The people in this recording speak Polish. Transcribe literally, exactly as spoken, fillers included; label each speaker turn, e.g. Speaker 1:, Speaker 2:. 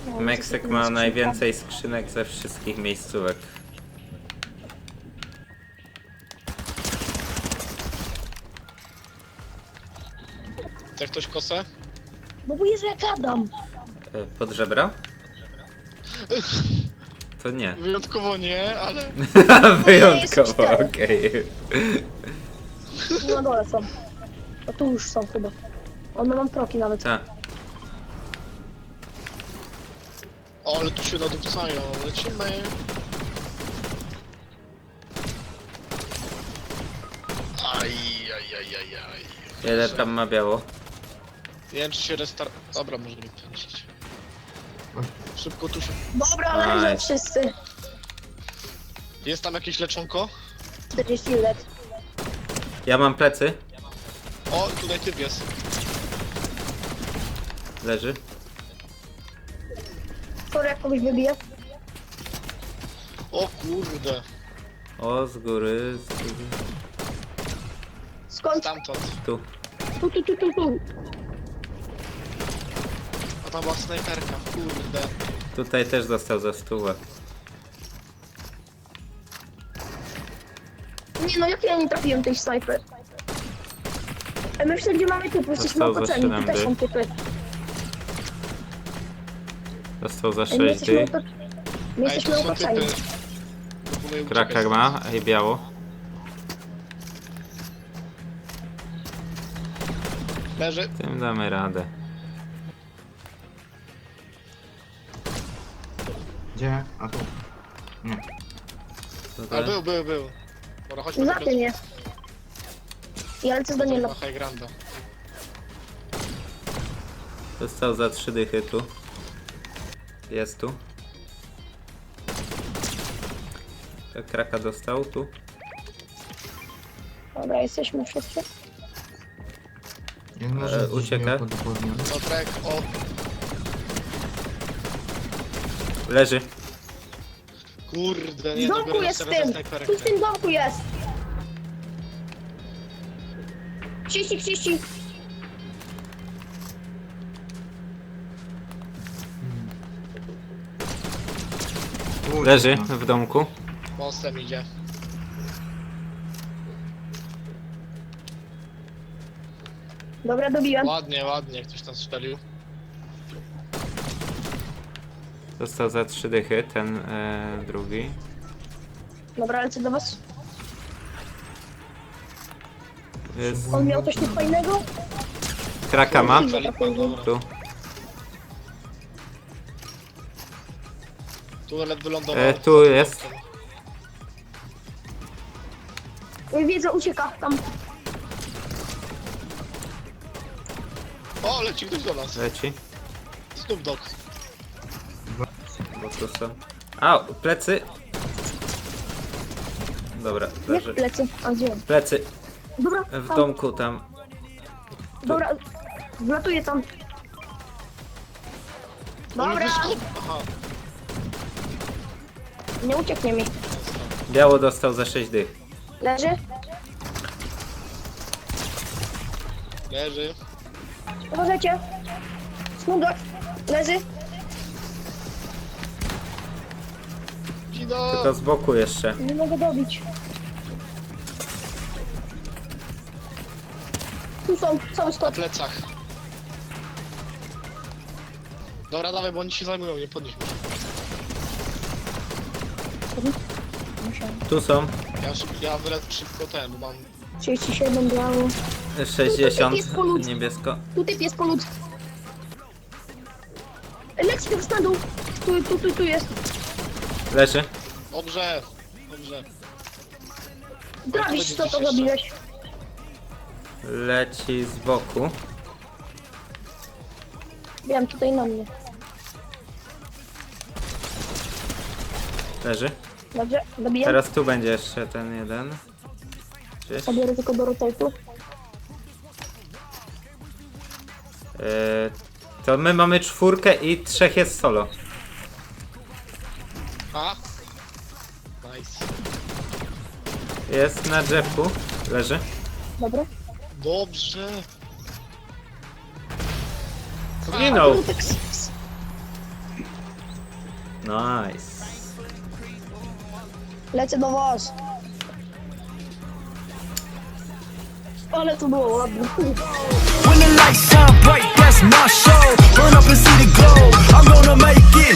Speaker 1: No,
Speaker 2: Meksyk
Speaker 1: to
Speaker 2: ma
Speaker 1: jest
Speaker 2: najwięcej skrzynek ze wszystkich miejscówek.
Speaker 3: Chce ktoś kosę?
Speaker 1: No bo Jezu, ja gadam.
Speaker 2: E, Pod żebra? To nie.
Speaker 3: Wyjątkowo nie, ale...
Speaker 2: Wyjątkowo, okej.
Speaker 1: Na dole są. No tu już są chyba. One mam troki nawet.
Speaker 2: Tak.
Speaker 3: O, ale tu się nadupcają, lecimy. Aj, aj, aj, aj, aj.
Speaker 2: Ile tam ma biało?
Speaker 3: Nie wiem, czy się restart... Dobra, może nie pędzić. Szybko tu się...
Speaker 1: Dobra, leżą
Speaker 2: Nice.
Speaker 1: wszyscy.
Speaker 3: Jest tam jakieś leczonko?
Speaker 1: czterdzieści lat.
Speaker 2: Ja mam plecy.
Speaker 3: O, tutaj typ jest.
Speaker 2: Leży.
Speaker 1: Sorry, jak kogoś wybiję.
Speaker 3: O kurde.
Speaker 2: O, z góry, z góry.
Speaker 1: Skąd?
Speaker 3: Stamtąd.
Speaker 2: Tu.
Speaker 1: Tu, tu, tu, tu, tu.
Speaker 3: A tam była snajperka, kurde.
Speaker 2: Tutaj też dostał za stówę.
Speaker 1: Nie no, jak ja nie trafiłem tej snajper? E, My wszędzie mamy typy, jesteśmy
Speaker 2: Dostał za
Speaker 1: opatrzeni, tu
Speaker 2: siedem
Speaker 1: też są
Speaker 2: dych.
Speaker 1: typy.
Speaker 2: Dostał za
Speaker 1: E, My
Speaker 2: sześć
Speaker 1: jesteśmy,
Speaker 2: dych.
Speaker 1: opa- my
Speaker 3: Ej,
Speaker 1: jesteśmy
Speaker 3: tu są
Speaker 1: opatrzeni.
Speaker 3: typy. Proponuję uciekać
Speaker 2: Krakak
Speaker 3: stąd.
Speaker 2: ma, ej biało.
Speaker 3: Leży.
Speaker 2: Tym damy radę.
Speaker 4: Gdzie? A tu. Nie.
Speaker 2: Tutaj.
Speaker 3: Ale był, był, był. Dobra, chodźmy
Speaker 1: Za
Speaker 3: teraz.
Speaker 1: tym jest. Ja lecę z Daniela.
Speaker 3: Na High Granda.
Speaker 2: Dostał za trzy dychy tu. Jest tu. Kraka dostał tu.
Speaker 1: Dobra, jesteśmy wszyscy.
Speaker 4: Jak może
Speaker 2: E, ucieka.
Speaker 4: Podwodniony.
Speaker 3: Piotrek, o,
Speaker 2: Leży.
Speaker 3: kurde,
Speaker 1: W
Speaker 3: nie,
Speaker 1: domku
Speaker 3: dobiorę
Speaker 1: jest
Speaker 3: sobie
Speaker 1: w
Speaker 3: za
Speaker 1: tym!
Speaker 3: snajperkę.
Speaker 1: Tu w tym domku jest! trzydzieści, trzydzieści.
Speaker 4: Kurde,
Speaker 2: Leży
Speaker 4: no.
Speaker 2: w domku.
Speaker 3: Mostem idzie.
Speaker 1: Dobra, dobiłem.
Speaker 3: Ładnie, ładnie, ktoś tam strzelił.
Speaker 2: Dostał za trzy dychy ten e, drugi.
Speaker 1: Dobra, lecę do was.
Speaker 2: Jest.
Speaker 1: On miał coś tu fajnego?
Speaker 2: Kraka ma.
Speaker 3: Zalipa, dobra.
Speaker 2: Tu.
Speaker 3: Tunelet wylądował.
Speaker 2: E, tu jest.
Speaker 1: Oj, wiedzę, ucieka tam.
Speaker 3: O, leci ktoś do nas.
Speaker 2: Leci.
Speaker 3: Snoop Dogg.
Speaker 2: Bo tu są. A, plecy. Dobra, leży.
Speaker 1: Jak lecę? A gdzie?
Speaker 2: Plecy.
Speaker 1: Dobra,
Speaker 2: W
Speaker 1: tam.
Speaker 2: domku tam.
Speaker 1: Dobra, wlatuję tam.
Speaker 3: On
Speaker 1: Dobra,
Speaker 3: wyskok- Aha.
Speaker 1: nie ucieknie mi.
Speaker 2: Biało dostał za sześć dych.
Speaker 1: Leży?
Speaker 3: Leży.
Speaker 1: Uważajcie. Smudok. Leży.
Speaker 3: Kido.
Speaker 2: Tylko z boku jeszcze.
Speaker 1: Nie mogę dobić. Tu są, cały
Speaker 3: Na
Speaker 1: skład.
Speaker 3: plecach. Dobra, dawaj, bo oni się zajmują, nie podnieśmy.
Speaker 2: Tu są.
Speaker 3: Ja, szyb, ja wylecę szybko ten, bo mam...
Speaker 1: trzydzieści siedem biało.
Speaker 2: sześćdziesiąt
Speaker 1: jest polut.
Speaker 2: niebiesko.
Speaker 1: Tu typ jest polut. Leci tu wstanął. Tu, tu, tu, tu jest.
Speaker 2: Leży.
Speaker 3: Dobrze, dobrze.
Speaker 1: Trawisz, co to zrobiłeś?
Speaker 2: Leci z boku.
Speaker 1: Wiem, tutaj na mnie.
Speaker 2: Leży.
Speaker 1: Dobrze, dobiję.
Speaker 2: Teraz tu będzie jeszcze ten jeden. Gdzieś.
Speaker 1: Zabiorę tylko do rotate'u.
Speaker 2: E, to my mamy czwórkę i trzech jest solo.
Speaker 3: A? Nice.
Speaker 2: Jest na drzewku. Leży.
Speaker 1: Dobra.
Speaker 3: Dobrze.
Speaker 2: Zginął.
Speaker 1: Tak, s- s-
Speaker 2: Nice.
Speaker 1: Lecę do was. Ale to było ładne.
Speaker 5: When the lights shine bright, that's my show. Burn up and see the glow. I'm gonna make it.